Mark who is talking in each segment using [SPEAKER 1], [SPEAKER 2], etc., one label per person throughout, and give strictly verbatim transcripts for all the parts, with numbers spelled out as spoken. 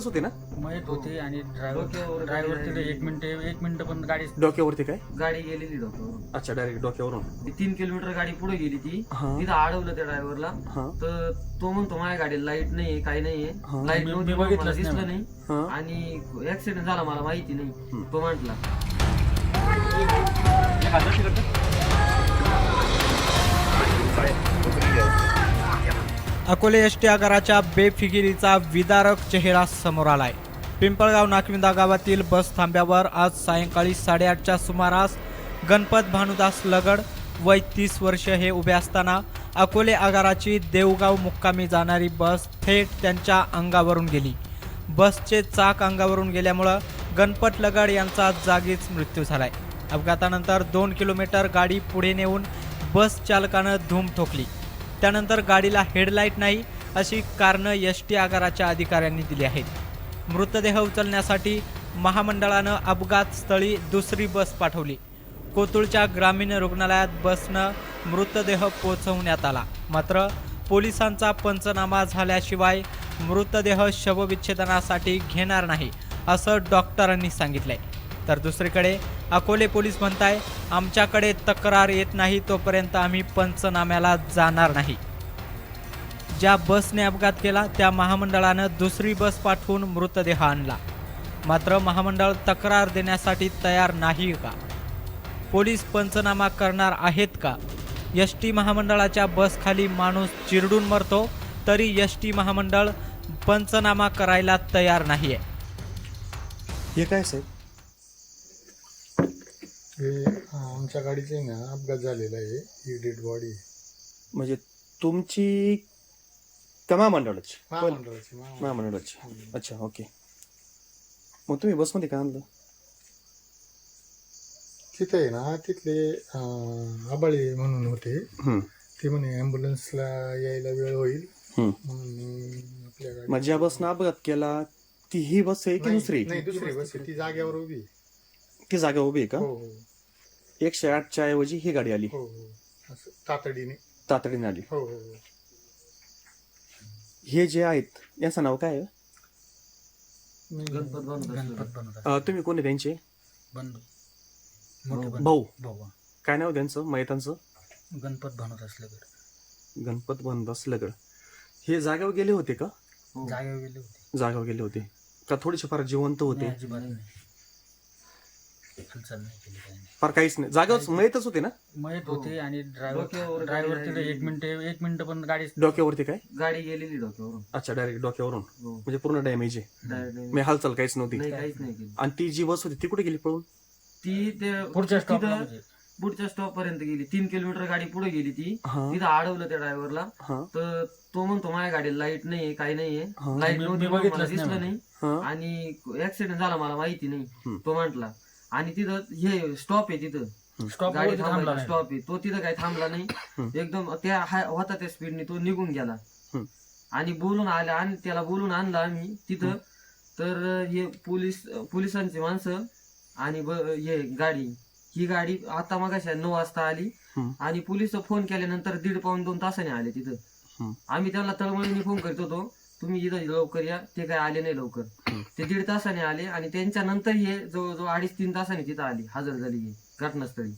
[SPEAKER 1] होते ना?
[SPEAKER 2] मयत होते आणि ड्रायव्हर ड्रायव्हर तिथे एक मिनिट एक मिनिट पण गाडी
[SPEAKER 1] डोक्यावरती काय?
[SPEAKER 3] गाडी गेलेली डोक्यावरून.
[SPEAKER 1] अच्छा, डायरेक्ट डोक्यावरून.
[SPEAKER 3] ती तीन किलोमीटर गाडी पुढे गेली ती
[SPEAKER 1] हा.
[SPEAKER 3] तिथं अडवलं त्या ड्रायव्हरला.
[SPEAKER 1] हा.
[SPEAKER 3] तर तो म्हणतो माझ्या गाडीला लाईट नाहीये काही नाहीये,
[SPEAKER 1] हा.
[SPEAKER 3] लाईट
[SPEAKER 2] मी-
[SPEAKER 3] नव्हती
[SPEAKER 2] मी
[SPEAKER 3] म्हणून मला
[SPEAKER 2] बघितलंच
[SPEAKER 3] दिसलं
[SPEAKER 2] नाही.
[SPEAKER 3] नाही
[SPEAKER 1] हा.
[SPEAKER 3] आणि ऍक्सिडेंट झाला मला माहिती नाही
[SPEAKER 1] हम्म.
[SPEAKER 3] तो म्हटला.
[SPEAKER 4] अकोले एस टी आगाराच्या बेफिकिरीचा विदारक चेहरा समोर आलाय. पिंपळगाव नाकविंदा गावातील बस थांब्यावर आज सायंकाळी साडेआठच्या सुमारास गणपत भानुदास लगड वय तीस वर्ष हे उभे असताना अकोले आगाराची देवगाव मुक्कामी जाणारी बस थेट त्यांच्या अंगावरून गेली. बसचे चाक अंगावरून गेल्यामुळं गणपत लगड यांचा जागीच मृत्यू झालाय. अपघातानंतर दोन किलोमीटर गाडी पुढे नेऊन बस चालकानं धूम ठोकली. त्यानंतर गाडीला हेडलाईट नाही अशी कारणं एस टी आगाराच्या अधिकाऱ्यांनी दिली आहेत. मृतदेह उचलण्यासाठी महामंडळानं अपघात स्थळी दुसरी बस पाठवली. कोतुळच्या ग्रामीण रुग्णालयात बसनं मृतदेह पोहोचवण्यात आला. मात्र पोलिसांचा पंचनामा झाल्याशिवाय मृतदेह शवविच्छेदनासाठी घेणार नाही असं डॉक्टरांनी सांगितलंय. तर दुसरीकडे अकोले पोलीस म्हणताय, आमच्याकडे तक्रार येत नाही तोपर्यंत आम्ही पंचनाम्याला जाणार नाही. ज्या बसने अपघात केला त्या महामंडळानं दुसरी बस पाठवून मृतदेह आणला. मात्र महामंडळ तक्रार देण्यासाठी तयार नाही का? पोलीस पंचनामा करणार आहेत का? एस टी महामंडळाच्या बसखाली माणूस चिरडून मरतो तरी एस टी महामंडळ पंचनामा करायला तयार नाहीये.
[SPEAKER 1] हे काय साहेब?
[SPEAKER 5] हे आमच्या गाडीचे ना अपघात झालेला आहे. ही डेड बॉडी
[SPEAKER 1] म्हणजे तुमची का महामंडळाची?
[SPEAKER 5] महामंडळाची महामंडळ.
[SPEAKER 1] महामंडळाची. अच्छा, ओके. मग तुम्ही बसमध्ये काय आणलं?
[SPEAKER 5] तिथे आहे ना तिथले अं, आबाळे म्हणून होते.
[SPEAKER 1] हम्म.
[SPEAKER 5] ते म्हणे ॲम्ब्युलन्सला यायला वेळ होईल
[SPEAKER 1] हम्म.
[SPEAKER 5] म्हणून मी आपल्या गाडी
[SPEAKER 1] मग ज्या बसनं अपघात केला ती ही बस आहे की
[SPEAKER 5] नाही,
[SPEAKER 1] दुसरी?
[SPEAKER 5] नाही दुसरी बस आहे. ती जागेवर उभी आहे.
[SPEAKER 1] ती जागा उभी आहे का?
[SPEAKER 5] हो हो
[SPEAKER 1] एकशे आठच्या ऐवजी ही गाडी आली,
[SPEAKER 5] हो हो असं तातडीने.
[SPEAKER 1] तातडीने आली.
[SPEAKER 5] हो हो हो.
[SPEAKER 1] हे जे आहेत यांचं नाव काय आहे?
[SPEAKER 5] नाही,
[SPEAKER 3] गणपत बांधत
[SPEAKER 2] गणपत बनवतात
[SPEAKER 1] अं, तुम्ही कोणी त्यांचे
[SPEAKER 2] बंधू मोठे बंधू.
[SPEAKER 1] भाऊ?
[SPEAKER 2] भाऊ
[SPEAKER 1] काय नाव त्यांचं मयतांचं?
[SPEAKER 2] गणपत बनवत असलं
[SPEAKER 1] गणपत बनदास लगड. हे जागेवर गेले होते का?
[SPEAKER 3] हो.
[SPEAKER 2] जागेवर गेले होते.
[SPEAKER 1] जागेवर गेले होते का थोडेसे फार जिवंत होते?
[SPEAKER 2] नाही, अजिबात नाही. हालचाल नाही केली काही नाही.
[SPEAKER 1] फार काहीच नाही, जागेवर मयतच होते ना?
[SPEAKER 2] मयत
[SPEAKER 3] हो.
[SPEAKER 2] होते आणि ड्रायव्हर
[SPEAKER 3] डोक्यावर
[SPEAKER 2] ड्रायव्हर
[SPEAKER 3] गाडी
[SPEAKER 2] तिथे एक
[SPEAKER 3] राहिली.
[SPEAKER 2] मिनिट एक मिनिट पण गाडी
[SPEAKER 1] डोक्यावरती काय?
[SPEAKER 3] गाडी गेलेली डोक्यावरून.
[SPEAKER 1] अच्छा, डायरेक्ट डोक्यावरून.
[SPEAKER 3] हो.
[SPEAKER 1] म्हणजे पूर्ण डॅमेज आहे.
[SPEAKER 3] Direct
[SPEAKER 1] मी हालचाल काहीच नव्हती.
[SPEAKER 3] नाही काहीच नाही केली.
[SPEAKER 1] आणि ती जी बस होती ती कुठे गेली पळून?
[SPEAKER 3] ती ते
[SPEAKER 2] पुढच्या स्टॉपला
[SPEAKER 3] तिथं
[SPEAKER 2] म्हणजे
[SPEAKER 3] पुढच्या स्टॉप पर्यंत गेली. तीन किलोमीटर गाडी पुढे गेली ती
[SPEAKER 1] हा.
[SPEAKER 3] तिथं अडवलं त्या ड्रायव्हरला.
[SPEAKER 1] हा.
[SPEAKER 3] तर तो म्हणतो माझ्या गाडीला लाईट नाहीये काही नाहीये,
[SPEAKER 1] हा.
[SPEAKER 3] लाईट
[SPEAKER 2] मी-
[SPEAKER 3] नव्हती
[SPEAKER 2] मी
[SPEAKER 3] म्हणून मला
[SPEAKER 2] बघितलंच
[SPEAKER 3] दिसलं
[SPEAKER 2] नाही.
[SPEAKER 3] नाही
[SPEAKER 1] हा.
[SPEAKER 3] आणि ऍक्सिडेंट झाला मला माहिती नाही
[SPEAKER 1] हम्म.
[SPEAKER 3] तो म्हटला. आणि तिथं हे स्टॉप आहे तिथं
[SPEAKER 2] स्टॉप
[SPEAKER 3] गाडी
[SPEAKER 2] वरती थांबला
[SPEAKER 3] थांबला
[SPEAKER 2] नाही.
[SPEAKER 3] स्टॉप आहे तो तिथं काही थांबला नाही.
[SPEAKER 1] हम्म.
[SPEAKER 3] एकदम त्या हाय- होता त्या स्पीडने तो निघून गेला.
[SPEAKER 1] हम्म.
[SPEAKER 3] आणि बोलून आला आणि त्याला बोलून आणलं आम्ही तिथं. तर हे पोलीस पोलिसांची माणसं आणि ब- हे गाडी ही गाडी आता मगाशी नऊ वाजता आली.
[SPEAKER 1] हम्म.
[SPEAKER 3] आणि पोलिस फोन केल्यानंतर दीड पाऊन दोन तासाने आले तिथं.
[SPEAKER 1] हम्म.
[SPEAKER 3] आम्ही त्यांना तळमळीने फोन करत होतो तुम्ही इथं लवकर या, ते काय आले नाही लवकर.
[SPEAKER 1] हम्म.
[SPEAKER 3] ते दीड तासाने आले आणि त्यांच्या नंतर हे जवळजवळ अडीच तीन तासाने तिथं आली, हजर झाली ही घटनास्थळी.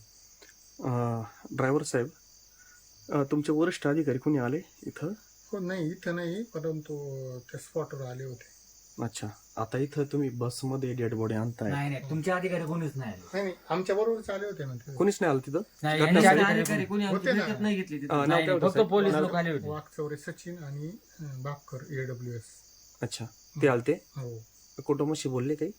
[SPEAKER 1] ड्रायव्हर साहेब, अं, तुमचे वरिष्ठ अधिकारी कोणी आले इथं?
[SPEAKER 5] हो नाही इथं नाही, परंतु त्या स्पॉटवर आले होते.
[SPEAKER 1] अच्छा, आता इथं तुम्ही बसमध्ये डेड बॉडी आणताय,
[SPEAKER 2] नाही नाही तुमचे अधिकारी कोणीच नाही आले.
[SPEAKER 5] नाही नाही आमच्या बरोबरच आले होते ना ते.
[SPEAKER 1] कोणीच नाही आलं तिथं?
[SPEAKER 2] नाही,
[SPEAKER 1] घटना
[SPEAKER 2] यांचे
[SPEAKER 1] झाली?
[SPEAKER 2] अधिकारी
[SPEAKER 3] अधिकारी कोणी आमची
[SPEAKER 5] होते ना.
[SPEAKER 3] भेटत नाही घेतली तिथं.
[SPEAKER 1] अं, नाव
[SPEAKER 2] नाही,
[SPEAKER 1] काय
[SPEAKER 2] नाही,
[SPEAKER 1] होतं
[SPEAKER 2] फक्त
[SPEAKER 1] साहेब?
[SPEAKER 2] पोलीस
[SPEAKER 1] नाव-
[SPEAKER 2] लोक आले होते.
[SPEAKER 5] वाघचौरे सचिन आणि अं, बापकर एडब्ल्यू एस.
[SPEAKER 1] अच्छा, ते आलते.
[SPEAKER 5] हो
[SPEAKER 1] कुटुंबाशी बोलले काही?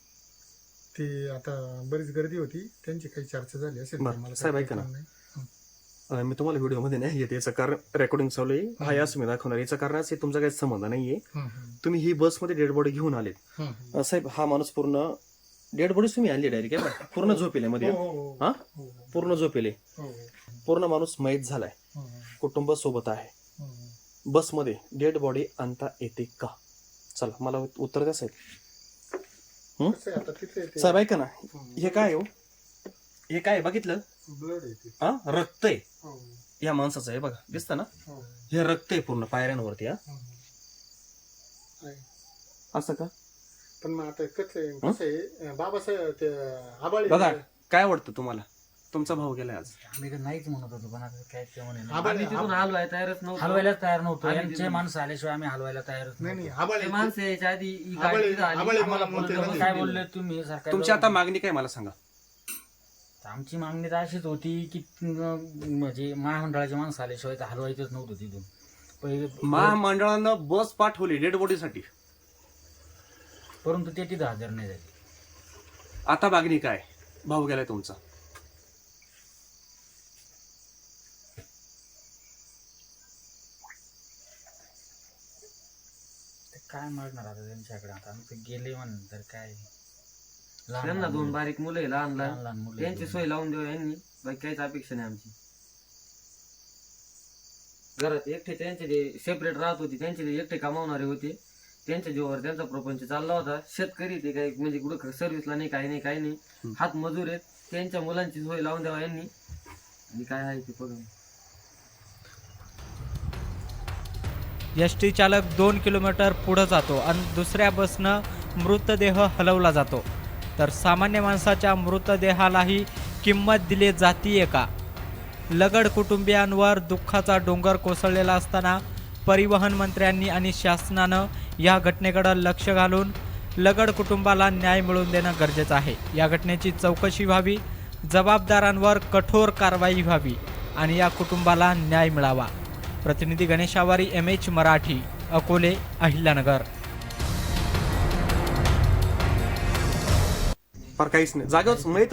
[SPEAKER 5] ते आता बरीच गर्दी होती, त्यांची काही चर्चा झाली असेल.
[SPEAKER 1] बरं.
[SPEAKER 5] ते मला
[SPEAKER 1] साहेब,
[SPEAKER 5] काही
[SPEAKER 1] ऐका ना.
[SPEAKER 5] कल्पना नाही.
[SPEAKER 1] अं, मी तुम्हाला व्हिडिओमध्ये नाही येते, याचं कारण रेकॉर्डिंग चालू आहे. हा यास मी दाखवणार. याचं कारण असं आहे, तुमचा काही संबंध नाहीये.
[SPEAKER 5] हं, हं,
[SPEAKER 1] तुम्ही ही बसमध्ये डेड बॉडी घेऊन आलेत.
[SPEAKER 5] हं, हं.
[SPEAKER 1] अं, साहेब, हा माणूस पूर्ण डेड बॉडी तुम्ही आणली डायरेक्ट पूर्ण झोपेले मध्ये?
[SPEAKER 5] हो, हो, हो.
[SPEAKER 1] हा,
[SPEAKER 5] हो, हो,
[SPEAKER 1] पूर्ण झोपेले.
[SPEAKER 5] हो, हो.
[SPEAKER 1] पूर्ण माणूस मयत झालाय,
[SPEAKER 5] हं, हं,
[SPEAKER 1] कुटुंब सोबत आहे.
[SPEAKER 5] हं, हं.
[SPEAKER 1] बसमध्ये डेड बॉडी आणता येते का? चला, मला उत्तर द्या साहेब.
[SPEAKER 5] कसं आहे आता तिथे ते-
[SPEAKER 1] साहेब ऐका ना,
[SPEAKER 5] हं.
[SPEAKER 1] हे काय हो? हे काय बघितलं?
[SPEAKER 5] ब्लड आहे ते.
[SPEAKER 1] हा, रक्त आहे
[SPEAKER 5] हो,
[SPEAKER 1] या माणसाचं. हे बघा, दिसतं ना?
[SPEAKER 5] हो,
[SPEAKER 1] हे रक्त आहे पूर्ण पायऱ्यांवरती. हा,
[SPEAKER 5] हं, हं. आहे.
[SPEAKER 1] असं का?
[SPEAKER 5] पण मग आता कसं आहे कसं आहे बाबासाहेब ते आबाळे
[SPEAKER 1] दादा काय वाटतं तुम्हाला? तुमचा भाऊ गेलाय आज.
[SPEAKER 2] आम्ही तर नाहीच म्हणत होतो पण आता काय ते म्हणे नाही.
[SPEAKER 3] आम्ही
[SPEAKER 5] आबाळे
[SPEAKER 3] तिथून हलवाय तयारच नव्हतो.
[SPEAKER 2] हलवायला तयार नव्हतो
[SPEAKER 3] आम्ही
[SPEAKER 2] यांचे
[SPEAKER 3] तिथून-
[SPEAKER 2] माणसं आल्याशिवाय आम्ही हलवायला तयारच
[SPEAKER 5] नाही नाही
[SPEAKER 2] नव्हतो.
[SPEAKER 5] आबाळे
[SPEAKER 3] ते माणसं यायच्या आधी ही गाडी
[SPEAKER 5] आबाळे-
[SPEAKER 3] तिथं आली.
[SPEAKER 5] आबाळे
[SPEAKER 3] आम्हाला
[SPEAKER 5] म्हणते
[SPEAKER 3] बोलवलं,
[SPEAKER 5] ना.
[SPEAKER 2] काय बोलले तुम्ही सरकार
[SPEAKER 1] तुमची आता मागणी काय मला सांगा.
[SPEAKER 2] आमची मागणी तर अशीच होती की अं, म्हणजे महामंडळाची माणसं आल्याशिवाय तर हलवायचंच नव्हतं तिथून पहिले
[SPEAKER 1] महामंडळानं बस पाठवली डेड बॉडीसाठी,
[SPEAKER 2] परंतु ते तिथं हजर नाही झाले.
[SPEAKER 1] आता मागणी काय? भाऊ गेलाय तुमचा.
[SPEAKER 2] ते काय मागणार आता त्यांच्याकडे? आता आमचं गेले म्हणून काय लहान
[SPEAKER 3] त्यांना
[SPEAKER 2] लहान
[SPEAKER 3] दोन
[SPEAKER 2] मुलं-
[SPEAKER 3] बारीक मुलं आहे, लहान
[SPEAKER 2] लहान
[SPEAKER 3] लहान
[SPEAKER 2] लहान मुलं
[SPEAKER 3] त्यांची सोय लावून देऊ यांनी. बाकी काहीच अपेक्षा नाही आमची. घरात एकटे त्यांचे जे सेपरेट राहत होते, त्यांचे जे एकटे कमावणारे होते, त्यांच्या जीवावर त्यांचा प्रपंच चालला होता. शेतकरी ते काही म्हणजे कुठं सर्व्हिसला नाही, काही नाही, काही नाही, हात मजूर आहेत. त्यांच्या मुलांची सोय लावून द्यावा यांनी, आणि काय आहे ते बघा.
[SPEAKER 4] एस टी चालक दोन किलोमीटर पुढं जातो आणि दुसऱ्या बसनं मृतदेह हलवला जातो, तर सामान्य माणसाच्या मृतदेहालाही किंमत दिली जातीये का? लगड कुटुंबियांवर दुःखाचा डोंगर कोसळलेला असताना परिवहन मंत्र्यांनी आणि शासनानं या घटनेकडे लक्ष घालून लगड कुटुंबाला न्याय मिळवून देणं गरजेचं आहे. या घटनेची चौकशी व्हावी, जबाबदारांवर कठोर कारवाई व्हावी आणि या कुटुंबाला न्याय मिळावा. प्रतिनिधी गणेश आवारी, एम एच मराठी, अकोले, अहिल्यानगर.
[SPEAKER 1] फार काहीच नाही जागेवर माहित